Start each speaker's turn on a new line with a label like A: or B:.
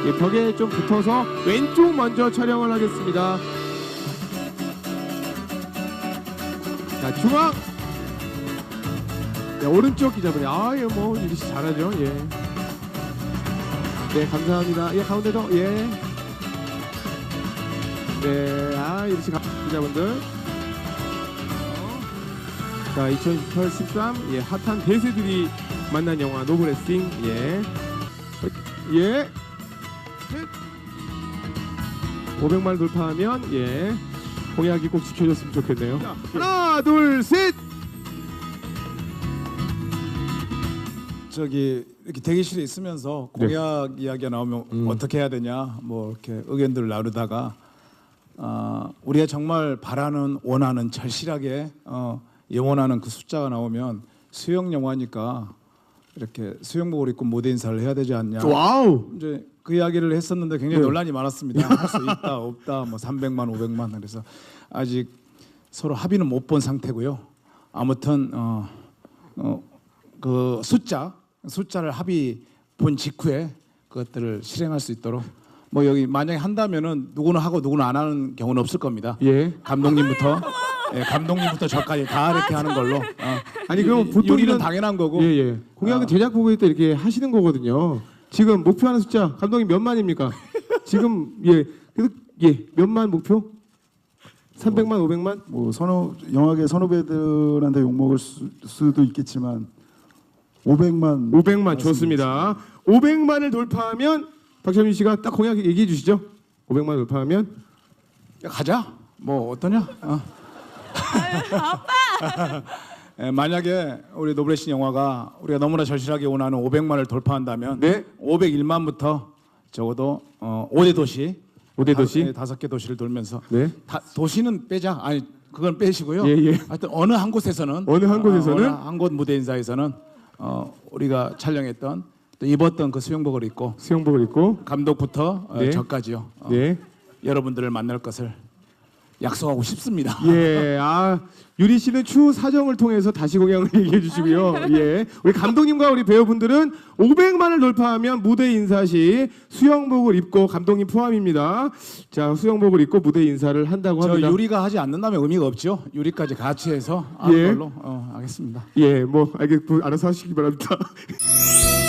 A: 예, 벽에 좀 붙어서 왼쪽 먼저 촬영을 하겠습니다. 자, 중앙. 네, 오른쪽 기자분이 예, 뭐 유리 씨 잘하죠. 예. 네, 감사합니다. 예, 가운데도 예. 네, 유리 씨 기자분들. 자, 2013 예, 핫한 대세들이 만난 영화 노브레싱 예. 예. 500만 돌파하면 예. 공약이 꼭 지켜졌으면 좋겠네요. 자, 하나, 둘, 셋.
B: 저기 이렇게 대기실에 있으면서 공약 이야기가 나오면 어떻게 해야 되냐 뭐 이렇게 의견들을 나누다가 우리가 정말 바라는 원하는 절실하게 영원하는 그 숫자가 나오면 수영 영화니까 이렇게 수영복을 입고 무대 인사를 해야 되지 않냐.
A: 와우.
B: 이제 그 이야기를 했었는데 굉장히 논란이 많았습니다. 할 수 있다 없다 뭐 300만 500만 그래서 아직 서로 합의는 못 본 상태고요. 아무튼 그 숫자를 합의 본 직후에 그것들을 실행할 수 있도록 뭐 여기 만약에 한다면은 누구는 하고 누구는 안 하는 경우는 없을 겁니다.
A: 예.
B: 감독님부터 저까지 다 이렇게 하는 걸로.
A: 아니 그럼 보통
B: 요리는 당연한 거고.
A: 예. 공약은 제작 보고회 때 이렇게 하시는 거거든요. 지금 목표하는 숫자 감독님 몇 만입니까? 지금 몇만 목표? 300만 500만?
C: 뭐 영화계 선후배들한테 욕 먹을 수도 있겠지만 500만
A: 좋습니다. 500만을 돌파하면 박철민 씨가 딱 공약 얘기해 주시죠. 500만 돌파하면
B: 야, 가자. 뭐 어떠냐?
D: 아빠.
B: 만약에 우리 노브레싱 영화가 우리가 너무나 절실하게 원하는 500만을 돌파한다면
A: 네.
B: 501만부터 적어도 5대 도시 5개 도시를 돌면서
A: 네.
B: 도시는 빼자. 아니 그건 빼시고요.
A: 예.
B: 하여튼 어느 한 곳에서는 한 곳 무대 인사에서는 우리가 촬영했던 또 입었던 그 수영복을 입고 감독부터
A: 네.
B: 저까지요.
A: 네.
B: 여러분들을 만날 것을 약속하고 싶습니다.
A: 예, 유리 씨는 추후 사정을 통해서 다시 공약을 얘기해 주시고요. 예, 우리 감독님과 우리 배우분들은 500만을 돌파하면 무대 인사 시 수영복을 입고 감독님 포함입니다. 자, 수영복을 입고 무대 인사를 한다고 합니다.
B: 저 유리가 하지 않는다면 의미가 없죠. 유리까지 같이 해서 하는 걸로 하겠습니다.
A: 예, 뭐 알아서 하시기 바랍니다.